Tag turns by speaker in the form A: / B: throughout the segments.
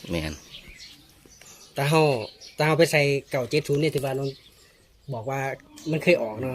A: แม่น
B: ตาเฮาไปใส่เก่า70เนี่ยถือว่าน้องบอกว่ามันเคยออกเนาะ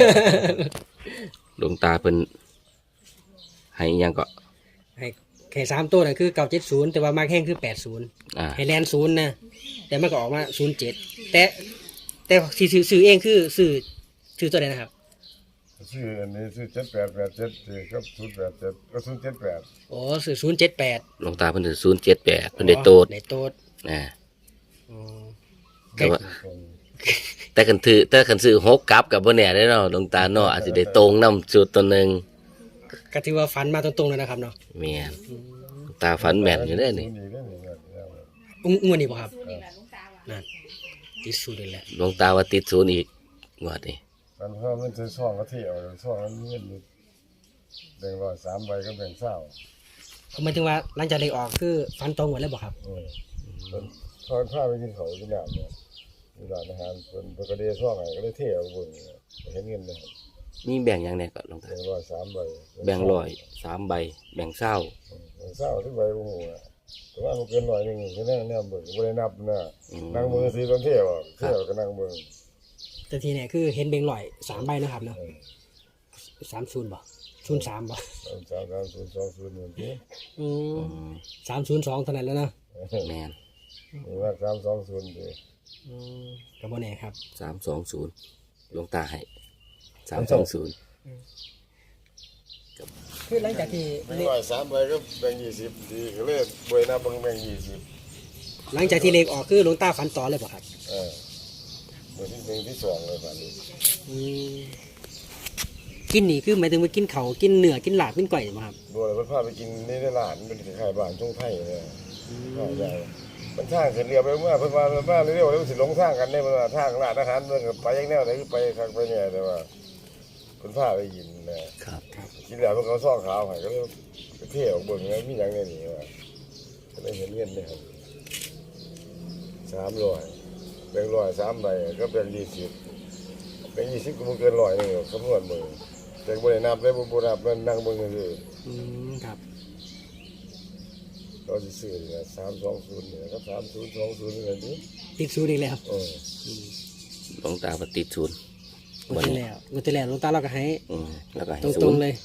A: หลวงตาเพิ่นให้อิหยังก็
B: ให้แค่3ตัวน่ะคือเก่า70แต่ว่ามาแข่งคือ80
A: อ่า
B: ให้แลน0นะแต่มันก็ออกมา07แต่ที่ซื้อเองคือซื้อตัวใดนะครับ
C: ชื่ออันนี้ชื่อ7887ครับ087ก็078
B: อ๋อซื้อ078
A: หลวงตาเพิ่นถือ078เพิ่นได้โตด
B: ได้โตด
A: อ่า
B: อ๋อ
A: แต่ว่าแต่คันซื้อ6กลับกับบ่แน่เด้เนาะหลวงตาเนาะอาจสิได้ตรงนำจุดตัวหนึง
B: ก็ถือว่าฝันมาตรงๆเลยนะครับเนาะ
A: แม่นหลวงตาฝันแม่นอยู่เด้นี่
B: งวดนี้บ่ครับนั่นติดสูตรเลยแหละ
A: หลวงตาว่าติดศูนย์อีกงวดนี้
C: มันเพิ่มมันซื้อช่องก็เที่ยวช่องนั้นเงินอยู่แบ่งร้อย3ใบก็แบ่งเศร้า
B: ผมหมายถึงว่าหลังจากได้ออกคือฝันตรงหมดเลยบ่ครับ
C: มันทอนผ้าไปกินเขากินน้ำเนี่ยมีร้านอาหารเป็นกระเดียช่องไหนก็ได้เที่ยวบนเห็นเงินเลย
A: มีแบ่งหยังแน่ก็หลวงตา
C: แบ่งร้อย3ใบ
A: แบ่ง100 3ใบแบ่ง20
C: แบ่งเศร้าที่ใบโอ้โหแต่ว่ามันเกินหน่อยนึงแค่นั้นเนี่ยเบิ่งไม่ได้นับนะนั่งมือซื้อตอนเที่ยวเที่ยวก็นั่งเบิ่ง
B: แต่ทีเนี่ยคือเห็นเบงลอย3ใบนะครับเนาะ30บ่03บ่
C: 33020เหมือนที่
B: อืม302เท่านั้นแล้วเนาะ
A: แม่น
C: ว่า320ดิ
B: อืมก็บ่แน่ครับ
A: 320หลวงตาให้320
B: คือหลังจากที่
C: แบ่งร้อย3ใบก็แบ่ง20ดีก็เลยบวยนับแบ่ง20
B: หลังจากที่เลขออกคือหลวงตาฝันต่อเลยบ่ครับ
C: เมื่อที่1ที่2เลยฝันนี้
B: อืมกินนี่คือหมายถึงว่ากินเขาวกินเนื้อกินลาบกินก้อยบ่ครับ
C: บัวเลยพาไปกินในร้านเป็นขายบ้านช่วงไทยเลยใช่มันทางขึ้นเรือไปเมื่อเพิ่นมาเร็วๆแล้วสิลงทางกันได้มันทางร้านอาหารเมืองไปอย่างแนวไหนไปทางไปเนี่ยแต่ว่าเพิ่นพาไปกินนะครับ กินแล้วมันก็ซ่องขาวให้ก็เลยไปเที่ยวเบิ่งแล้วมีหยังในนี้ว่าก็เลยเห็นเงินเนี่ย300แบ่ง100 3ใบก็แบ่ง20แบ่ง20ก็บ่เกิน100นึงคำนวณเบิ่งแต่บ่ได้นับได้บ่นับมันนั่งเบิ่งซื่อ
B: อืมครับ
C: เราสิซื้อนี่320นี่ครับ3020นี่นี่
B: ติดสูตรอีกแล้ว
A: หลวงตาว่าติดศูนย์
B: งวดที่แล้วหลวงตาเราก็ให้
A: แล้วก็ให้
B: ต
A: ศู
B: รง
A: นย์
B: ๆเลย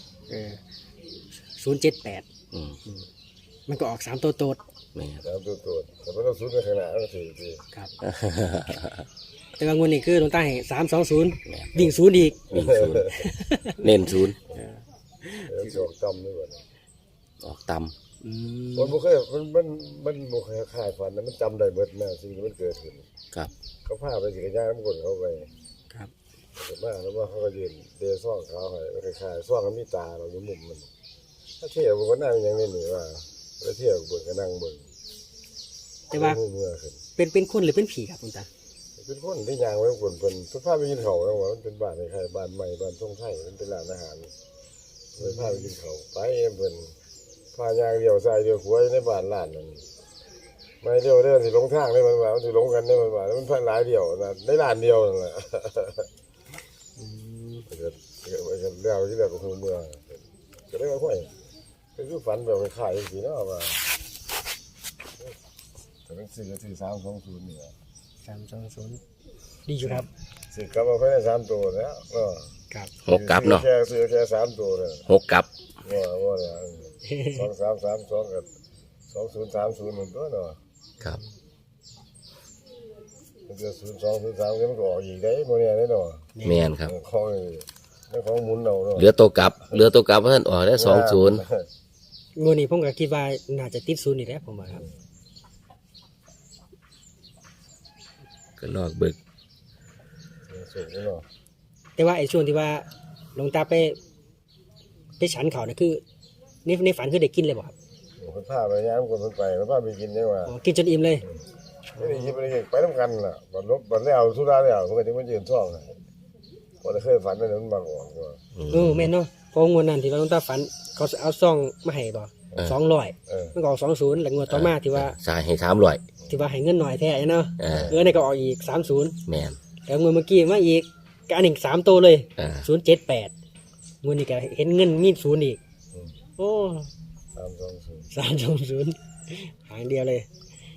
B: 078
A: อืม
B: มันก็ออก3ตัวโตด
A: แม่น
C: ตามตัวแต่ไม่ต้องซื้อไปขนาดนั้นสิ
B: ครับ แต่ว่างวดนี้คือหลวงตาให้320วิ่งศูนย์อีก
A: วิ่งศูนย์เน้นศูนย์
C: แล้วจอกต่ำนี่ก่อน
A: ออกต่
B: อืม
C: มันบ่เคยมันบ่เคยคายฝันนะมันจำได้เบิดนะสิ่งที่มันเกิดขึ้น
A: ำครับ
C: เขาพาไปสิกระยานมันกดเขาไป
B: ครับ
C: แต่มาแล้วว่าเขาก็ยืนเดซ่องเขาให้คล้ายๆซ่องมันมีตาเราอยู่มุมมันถ้าเที่ยวมันก็นั่งอย่างนี้นี่ว่าแล้วเที่ยวเบิ่งก็นั่งเบิ่ง
B: แต่ว่า
C: เมื่อขึ้น
B: เป็นคนหรือเป็นผีครับหลวงตา
C: เป็นคนที่ยางไว้คนเพิ่นพาไปกินข้าวแล้วว่ามันเป็นบ้านคล้ายๆบ้านใหม่บ้านท่องไทยมันเป็นร้านอาหารเลยพาไปกินข้าวไปเพิ่นพายางเดียวใส่เดียวขวายในบ้านร้านนั้นไม่เดียวเดินสิลงทางได้มันว่ามันสิลงกันได้มันว่ามันพันหลายเดียวนะได้ร้านเดียวนั่นแหละเกิดเรื่องที่เรื่องของเมืองก็ได้ว่าห้วยคือฝันแบบคล้ายๆสิเนาะว่าแต่เป็น4ก็คือ320นี่
B: 320ดีอยู่ครับ
C: สิกลับมาภายใน3ตัวแล้วเนาะ
B: ครับ
A: หกกลับเนาะ
C: ซื้อแค่3ตัวเลย
A: หกกลับ
C: ว่าเนี่ย2332กับ2030นั่นตัวเนาะ
A: ครับ
C: มันจะ0203มันก็ออกอีกได้บ่เนี่ยได้เนาะ
A: แม่นครับ
C: ของหมุนเอาเนาะ
A: เหลือตัวกลับเพราะท่านออกได้20
B: งวดนี้ผมก็คิดว่าน่าจะติดศูนย์อีกแล้วผมว่าครับ
A: ก็ลอกเบิก
C: สูงเนาะ
B: แต่ว่าไอ้ช่วงที่ว่าหลวงตาไปฉันเขาเนี่ยคือในฝันคือได้กินเลยบ่ครับ
C: เพิ่นพาไปยามคนเพิ่นไปพาไปกินได้ว่า
B: อ๋อกินจนอิ่มเลย
C: ไม่ได้ยินไปนำกันล่ะบัดแล้วสุดาแล้วมันก็สิมายืนซ่องบ่ได้เคยฝันว่ามันมาออกว่า
B: แม่นเนาะเพองวดนั้นที่ว่าหลวงตาฝันเขาเอาซองมาให้บ่200มันก็ออก20แล้วงวดต่อมาที่ว่า
A: สายให้300
B: ที่ว่าให้เงินหน่อยแท้เนาะนี่ก็ออกอีก30
A: แม่น
B: แล้วงวดเมื่อกี้มาอีกก็อันหนึ่ง3ตัวเลย 078งวดนี้ก็เห็นเงินมี0อีกโอ้
C: 320
B: 320หางเดียวเลย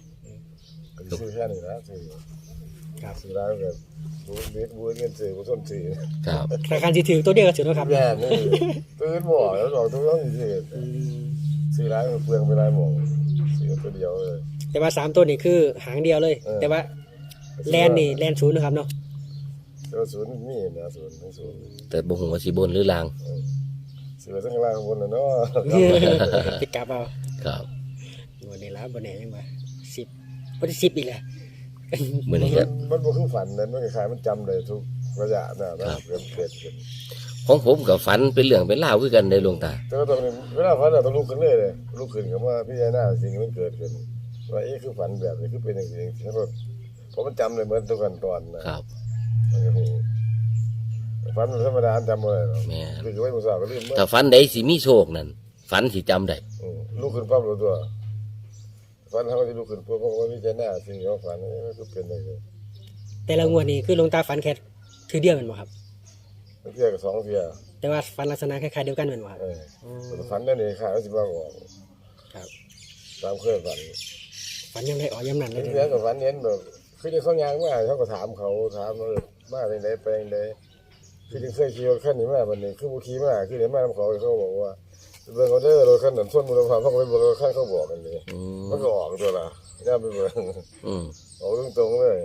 C: ซื้อแค่นี้นะซื้อ
B: ครับ
C: ซื้อแล้วแบบบูเงินซื้อบูส้นซื้อ
A: ครับ
B: ราคาที่ถือตัวเดียวก็ถือนะครับ
C: แย่นี่ตื่นบ่แล้วบอกตัวต้องซื้อ
B: อืม
C: ซื้อร้านเปลืองไปร้านหมองซื้อตัวเดียวเลย
B: แต่ว่า3ตัวนี่คือหางเดียวเลย แต่ว่าแลนนี่แลนศูนย์นะครับเนาะ
C: ตัวศูนย์มีนะศูนย์ทั้งศูนย์
A: แต่บ่ฮู้ว่าสิบนหรือล่าง
C: ซื้อทั้งล่างบนนะเนาะ
B: ไปกลับเอา
A: ครับ
B: วันนี้แล้วบนไหนยังไง10วันที่10อีกแหละ
A: มื้อนี้ก็
C: มันบ่คือฝันนั้นมันคล้ายๆมันจำเลยทุกระยะนะเกิดขึ้น
A: ของผมก็ฝันเป็นเรื่องเป็นราวคือกันได้หลวงตา
C: แต่ว่าตอนนี้เวลาฝันต้องลุกขึ้นเลยลุกขึ้นกับว่าพี่ยาหน้าสิ่งที่มันเกิดขึ้นว่าคือฝันแบบนี้คือเป็นอย่างนี้ใช่ป่ะเพราะมันจำเลยเหมือนทุกขั้นตอนนะครับ มันก็คือฝันธรรมดาจำไม่ได้หรอก
A: แม่น
C: คือไว้มุสาก็ลืมเมื่อ
A: ถ้าฝันใดสิมีโชคนั่นฝันสิจำได้
C: ลุกขึ้นปั๊บรู้ตัวฝันเขาก็จะลุกขึ้นปุ๊บเพราะว่าพี่ยาหน้าสิ่งที่เขาฝันนี่ก็คือเป็นอย่างนี้
B: แต่ละงวดนี่คือหลวงตาฝันแค่ถือเดียวแมันบ่ครับ
C: เที่ยกับสองเที่ย
B: แต่ว่าฝันลักษณะคล้ายๆเดียวกันแมันบ่ครับ
C: ฝันนั่นเองค่ะก็สิบ้าออก
B: ครับ
C: ตามเคยฝัน
B: ฝันยังได้อ๋อยำนั่นเลย
C: เรื่องกับฝันเห็นแบบคือที่เขายางมาเขาก็ถามมาในไหนไปไหนคือที่เคยขี่รถขั้นนี้มาวันนี้คือบุคีมาคือเห็นมาทำเขาเขาบอกว่าเบิ่งเขาเด้อรถขั้นนั้นส่วนมูลค่าเขาก็ไปเบิ่งรถขั้นเขาบอกกันเลย
A: อืม
C: มันก็ออกตัวละย่าไปเบิ่ง
A: อืม
C: ออกตรงๆเลย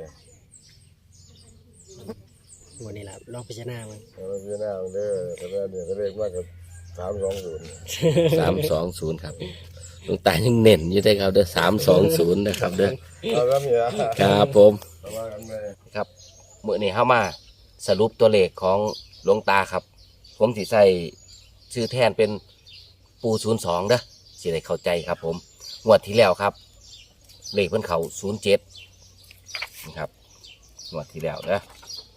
B: งวดนี้ล่ะลองพิจารณามัน
C: เราพี่หน้าเด้อแต่ว่าเนี่ยก็เลขมากกับ320
A: 320ครับหลวงตายังเน้นอยู่ได้อครับเด้อ320นะครับเด้อ
C: เอาแล้วมีอะ
A: ครับผม
C: เอามากันเลย
A: ครับมื้อนี้เฮามาสรุปตัวเลขของหลวงตาครับ ผมสิใส่ชื่อแทนเป็นปู02เด้อสิได้เข้าใจครับผมงวดที่แล้วครับ เลขเพิ่นเข้า07นะครับงวดที่แล้วเด้อ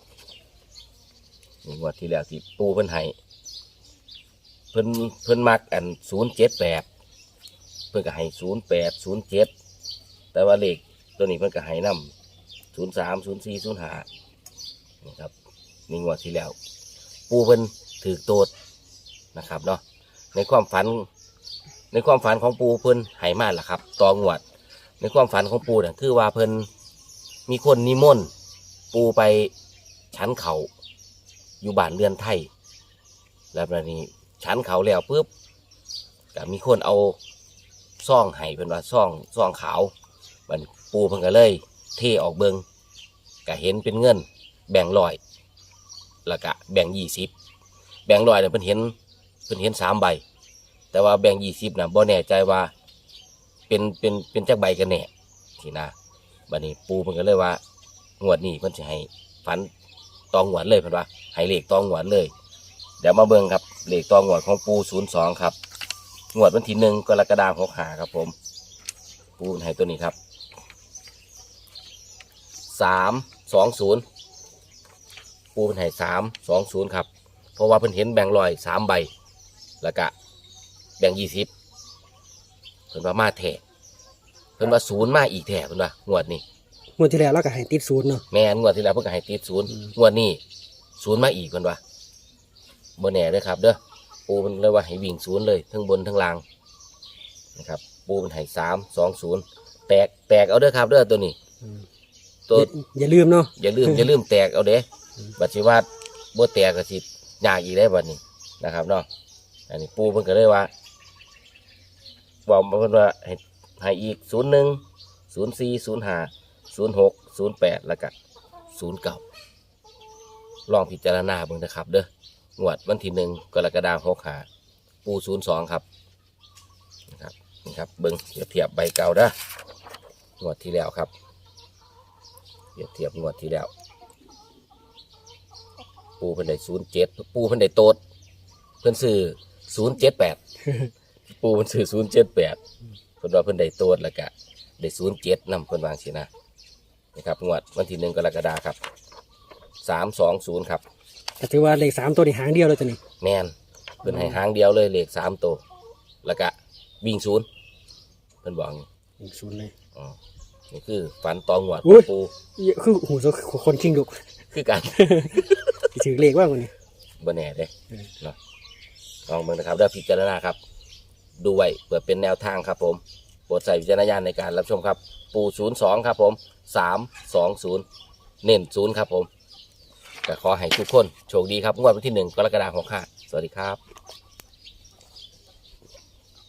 A: นี่งวดที่แล้วที่ปูเพิ่นให้เพิ่นมักอัน078เพิ่นก็ให้08 07แต่ว่าเลขตัวนี้เพิ่นก็ให้นำ03 04 05นี่ครับนี่งวดที่แล้ว ปูเพิ่นถือโตดนะครับเนาะในความฝันของปูเพิ่นให้มาล่ะครับตองวด ในความฝันของปูเนี่ยคือว่าเพิ่นมีคนนิมนต์ปูไปชั้นเขาอยู่บ้านเรือนไทย แล้วแบบนี้ชั้นเขาแล้วปุ๊บก็มีคนเอาซ่องให้เพิ่นว่าซ่องขาวบัดนี้ปูเพิ่นก็เลยเทออกเบิงก็เห็นเป็นเงินแบ่งร้อยแล้วก็แบ่ง20แบ่งร้อยเนี่ยเพิ่นเห็น3 ใบ แต่ว่าแบ่ง20น่ะบ่แน่ใจว่าเป็นจักใบกันแน่ที่นะบัดนี้ปูเพิ่นก็เลยว่างวดนี้เพิ่นสิให้ฝันตองงวดเลยเพิ่นว่าให้เลขตองงวดเลยเดี๋ยวมาเบิ่งครับเลขตองงวดของปู02ครับงวดวันที่1กรกฎาคม65ครับผมปูให้ตัวนี้ครับ320ปูเพิ่นให้320ครับเพราะว่าเพิ่นเห็นแบ่งร้อย3 ใบแล้วก็แบ่ง20เพิ่นว่ามาแท้เพิ่นว่า0มาอีกแท้เพิ่นว่างวดนี้
B: งวดที่แล้วเราก็ให้ติดศูนย์เนาะ
A: แม่นงวดที่แล้วเพิ่นก็ให้ติด0งวดนี้0มาอีกเพิ่นว่าบ่แน่เด้อครับเด้อปูเพิ่นเลยว่าให้วิ่ง0เลยทั้งบนทั้งล่างนะครับปูเพิ่นให้320แตกเอาเด้อครับเด้อตัวนี้ตัว
B: อย่าลืมเนาะ
A: อย่าลืมแตกเอาเด้บัดสิว่าบ่แตกก็สิยากอีกได้บัดนี้นะครับเนาะอันนี้ปูเพิ่นก็เลยว่าบอกมาเพิ่นว่าให้อีก01 04 05 06 08แล้วก็09ลองพิจารณาเบิ่งนะครับเด้องวดวันที่1กรกฎาคม65ปู02ครับนะครับนี่ครับเบิ่งเทียบใบเก่าเด้องวดที่แล้วครับเทียบงวดที่แล้วปูเพิ่นได้07ปูเพิ่นได้โตดเพิ่นซื้อ078ปูเพิ่นซื้อ078เพิ่นว่าเพิ่นได้โตดแล้วก็ได้07นำเพิ่นวางสินะนะครับงวดวันที่1กรกฎาคมครับ320ครับ
B: ก็ถือว่าเลข3ตัวนี่หางเดียวเลยตัวนี้
A: แม่นเพิ่นให้หางเดียวเลยเลข3ตัวแล้วก็วิ่ง0เพิ่นบอกอย่างนี้
B: ศูนย์เลย
A: อ๋อนี่คือฝันตองวด
B: อุ้ย
A: ปู
B: คือหูโซคนชิงดุก
A: คือกัน
B: สิถือเลขว่าคนนี้
A: บ่แน่เด้เนาะลองเบิ่งนะครับเด้อพิจารณาครับ ดูไว้เพื่อเป็นแนวทางครับผมโปรดใส่วิจารณญาณในการรับชมครับปู02ครับผม320เน้น0ครับผมก็ขอให้ทุกคนโชคดีครับงวดวันที่1 กรกฎาคม65สวัสดีครับ